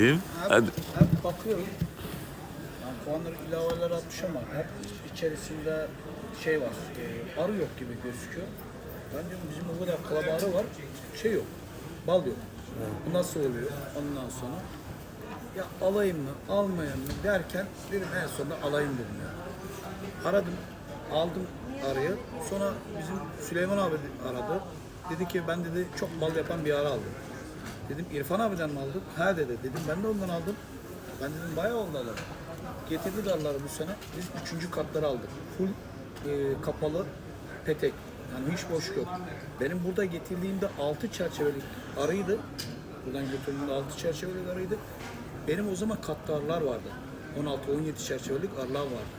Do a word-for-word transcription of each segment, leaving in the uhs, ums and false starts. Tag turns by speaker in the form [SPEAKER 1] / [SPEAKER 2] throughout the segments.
[SPEAKER 1] Hadi.
[SPEAKER 2] Hep bakıyorum. Yani puanları ilaveler atmış ama hep içerisinde şey var. E, arı yok gibi gözüküyor. Ben diyorum bizim o kadar kalabalığı var. Şey yok. Bal yok. Bu nasıl oluyor? Ondan sonra ya alayım mı, almayayım mı derken dedim en sonunda alayım dedim ya. Aradım, aldım arıyı. Sonra bizim Süleyman abi aradı. Dedi ki ben dedi çok bal yapan bir arı aldım. Dedim İrfan abiden mi aldın? Ha dedi. Dedim ben de ondan aldım. Ben dedim bayağı oldu alalım. Getirdi darları bu sene. Biz üçüncü katları aldık. Full e, kapalı petek. Yani hiç boş yok. Benim burada getirdiğimde altı çerçevelik arıydı. Buradan götürdüğümde altı çerçevelik arıydı. Benim o zaman katlı arılar vardı. on altı on yedi çerçevelik arılar vardı.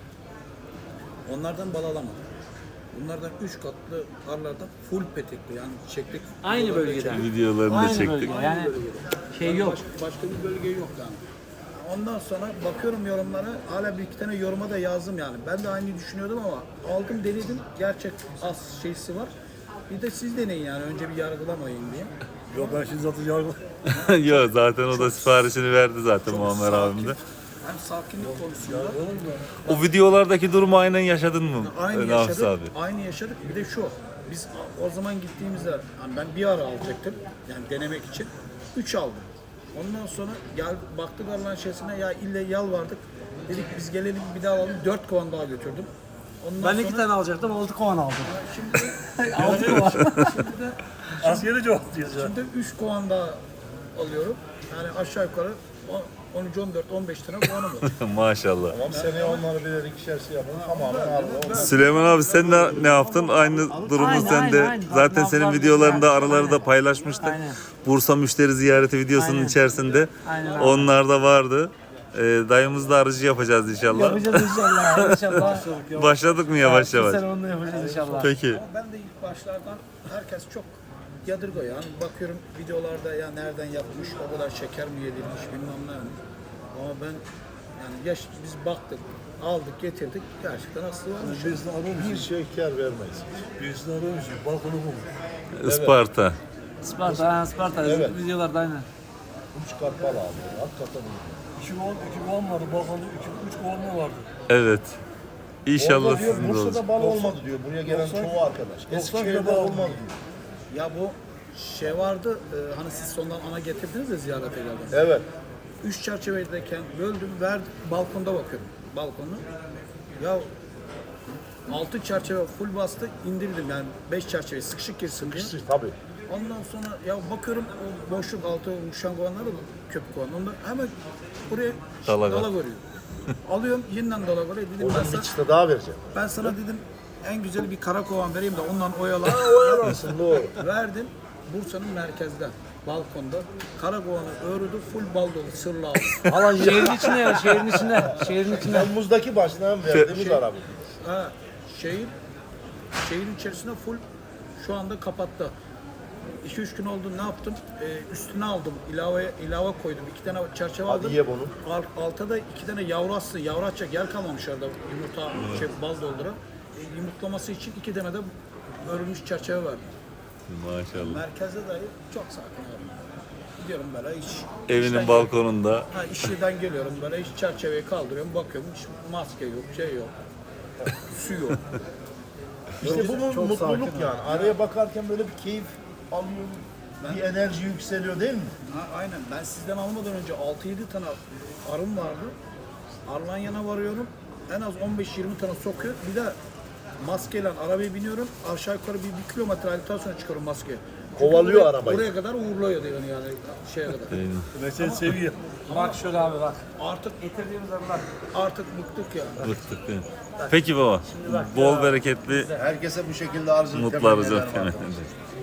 [SPEAKER 2] Onlardan bal alamadım. Bunlardan üç katlı arılardan full petekli yani çiçeklik.
[SPEAKER 3] Aynı bölgeden.
[SPEAKER 1] Videolarını da
[SPEAKER 3] Aynı
[SPEAKER 1] çektik.
[SPEAKER 3] bölge. Yani şey yok.
[SPEAKER 2] Başka, başka bir bölge yok yani. Ondan sonra bakıyorum yorumlara, hala bir iki tane yoruma da yazdım yani. Ben de aynı düşünüyordum ama aldım denedim, gerçek az şeysi var. Bir de siz deneyin yani, önce bir yargılamayın diye.
[SPEAKER 4] Yok ben şimdi zaten yargı.
[SPEAKER 1] Yok zaten o da siparişini verdi zaten Muammer
[SPEAKER 2] sakin.
[SPEAKER 1] abim de.
[SPEAKER 2] Hem sakinlik konusunda
[SPEAKER 1] O videolardaki durumu aynen yaşadın mı?
[SPEAKER 2] aynı
[SPEAKER 1] Nafis
[SPEAKER 2] yaşadık,
[SPEAKER 1] abi.
[SPEAKER 2] aynı yaşadık. Bir de şu, biz o zaman gittiğimizde hani ben bir ara alacaktım yani denemek için, üç aldım. Ondan sonra gel baktık Allah'ın şeysine, ya ille yalvardık. Dedik biz gelelim bir daha alalım, dört kovan daha götürdüm. Ondan
[SPEAKER 3] Ben
[SPEAKER 2] sonra,
[SPEAKER 3] iki tane alacaktım, altı kovan aldım.
[SPEAKER 2] Şimdi,
[SPEAKER 3] Altı var.
[SPEAKER 2] şimdi de
[SPEAKER 4] Askeri cevap diyoruz ya.
[SPEAKER 2] Şimdi üç kovan daha alıyorum. Yani aşağı yukarı on üç, on dört, on beş tane kovanım var.
[SPEAKER 1] Maşallah.
[SPEAKER 5] Tamam seneye onları birer ikişer şey yapalım. Tamamen aldı.
[SPEAKER 1] Süleyman abi sen ne, ne yaptın? Aynı durumu
[SPEAKER 3] Aynen,
[SPEAKER 1] sen de.
[SPEAKER 3] aynen, aynen.
[SPEAKER 1] Zaten
[SPEAKER 3] Bak,
[SPEAKER 1] senin
[SPEAKER 3] nablar
[SPEAKER 1] videolarında
[SPEAKER 3] güzel.
[SPEAKER 1] araları da
[SPEAKER 3] Aynen.
[SPEAKER 1] paylaşmıştık.
[SPEAKER 3] Aynen.
[SPEAKER 1] Bursa müşteri ziyareti videosunun
[SPEAKER 3] Aynen.
[SPEAKER 1] içerisinde.
[SPEAKER 3] Aynen abi.
[SPEAKER 1] Onlar da vardı. Ee, dayımız da arıcı yapacağız inşallah.
[SPEAKER 3] Yapacağız inşallah. İnşallah.
[SPEAKER 1] Başladık mı yavaş
[SPEAKER 3] Bu
[SPEAKER 1] yavaş?
[SPEAKER 3] sene onu da yapacağız inşallah.
[SPEAKER 1] Peki.
[SPEAKER 2] Ama ben de ilk başlardan herkes çok yadırgıyor. Yani bakıyorum videolarda ya nereden yapmış, o kadar şeker mi yedirmiş bilmem ne. Ama ben yani yaş, biz baktık, aldık, getirdik. Gerçekten aslı varmış.
[SPEAKER 4] Birisini aramış.
[SPEAKER 5] Bir şey kar vermeyiz.
[SPEAKER 4] Birisini aramış. Balkonu bulmuş.
[SPEAKER 1] Isparta.
[SPEAKER 3] Sparta, ha, Sparta.
[SPEAKER 5] Evet.
[SPEAKER 3] Videolarda aynen.
[SPEAKER 5] Üç kat bal aldı. Hakikaten iyi.
[SPEAKER 4] İki kovan, iki kovan vardı. Balkonda iki, üç kovan mı vardı?
[SPEAKER 1] Evet. İnşallah
[SPEAKER 5] Orada diyor
[SPEAKER 1] sizin de
[SPEAKER 5] Bursa'da
[SPEAKER 1] olacak.
[SPEAKER 5] bal olmadı diyor. Buraya gelen
[SPEAKER 4] doksan
[SPEAKER 5] çoğu arkadaş. Eskişehir'de
[SPEAKER 4] bal
[SPEAKER 5] olmadı diyor.
[SPEAKER 2] Ya bu şey vardı, e, hani siz sondan ana getirdiniz de ziyarete geldiniz.
[SPEAKER 5] Evet.
[SPEAKER 2] Üç çerçevedeyken böldüm, verdim, balkonda bakıyorum, balkonu. Ya altı çerçeve full bastı, indirdim yani beş çerçeve sıkışık girsin diye.
[SPEAKER 5] Tabii.
[SPEAKER 2] Ondan sonra ya bakıyorum o boşluk altı uçan kovanlar da köpük kovan. Onda hemen buraya
[SPEAKER 1] Dala
[SPEAKER 2] dala,
[SPEAKER 1] var.
[SPEAKER 2] görüyor. Alıyorum yeniden dala görüyor. Dedim ben
[SPEAKER 5] Oradan
[SPEAKER 2] sana,
[SPEAKER 5] bir çıta daha vereceğim.
[SPEAKER 2] ben sana dedim en güzel bir kara kovan vereyim de ondan oyalan.
[SPEAKER 5] Oyalansın doğru.
[SPEAKER 2] Verdim Bursa'nın merkezde. Balkonda karakovanı örüdü, full bal dolu, sırla aldı.
[SPEAKER 5] Alan
[SPEAKER 3] Şehrin içinde ya, şehrin içinde. Şehrin içinde.
[SPEAKER 5] Temmuz'daki başlayan verdiğimiz
[SPEAKER 2] Şey-
[SPEAKER 5] araba.
[SPEAKER 2] Ha, şehir, şehrin içerisinde full şu anda kapattı. iki üç gün oldu, ne yaptım? Ee, üstüne aldım, ilave ilave koydum. İki tane çerçeve
[SPEAKER 5] Hadi
[SPEAKER 2] aldım.
[SPEAKER 5] ye bunu.
[SPEAKER 2] Alt, alta da iki tane yavru aslı, yavru atacak yer kalmamış orada yumurta, şey, bal doldura. E, yumurtlaması için iki tane de örülmüş çerçeve verdim.
[SPEAKER 1] Maşallah.
[SPEAKER 2] Merkezde dahi çok sakin abi. Gidiyorum böyle hiç.
[SPEAKER 1] Evinin
[SPEAKER 2] işten
[SPEAKER 1] balkonunda.
[SPEAKER 2] Ha, işleden geliyorum böyle hiç çerçeveyi kaldırıyorum bakıyorum hiç maske yok şey yok su yok.
[SPEAKER 5] İşte bu mu-
[SPEAKER 2] Çok
[SPEAKER 5] mutluluk
[SPEAKER 2] sakin
[SPEAKER 5] yani. Araya bakarken böyle bir keyif alıyorum. Bir enerji yükseliyor değil mi?
[SPEAKER 2] Ha, aynen ben sizden almadan önce altı yedi tane arım vardı. Arlanya'na varıyorum en az on beş yirmi tane sokuyor bir de maskeyle arabaya biniyorum aşağı yukarı bir, bir kilometre aldıktan sonra çıkıyorum maske. Çünkü
[SPEAKER 5] Kovalıyor
[SPEAKER 2] buraya-
[SPEAKER 5] arabayı.
[SPEAKER 2] Buraya kadar uğurluyor yani, yani şeye kadar.
[SPEAKER 4] Ben seni seviyorum.
[SPEAKER 3] Bak şöyle abi bak.
[SPEAKER 2] Artık
[SPEAKER 3] Getirdiğimiz arılar.
[SPEAKER 2] artık bıktık ya.
[SPEAKER 1] Bıktık değil mi? Peki baba. Bol bereketli
[SPEAKER 5] Herkese bu şekilde arzu
[SPEAKER 1] mutlu
[SPEAKER 5] temenni
[SPEAKER 1] arıza
[SPEAKER 5] ederim
[SPEAKER 1] temenni
[SPEAKER 5] arkadaşlar.
[SPEAKER 1] ederiz.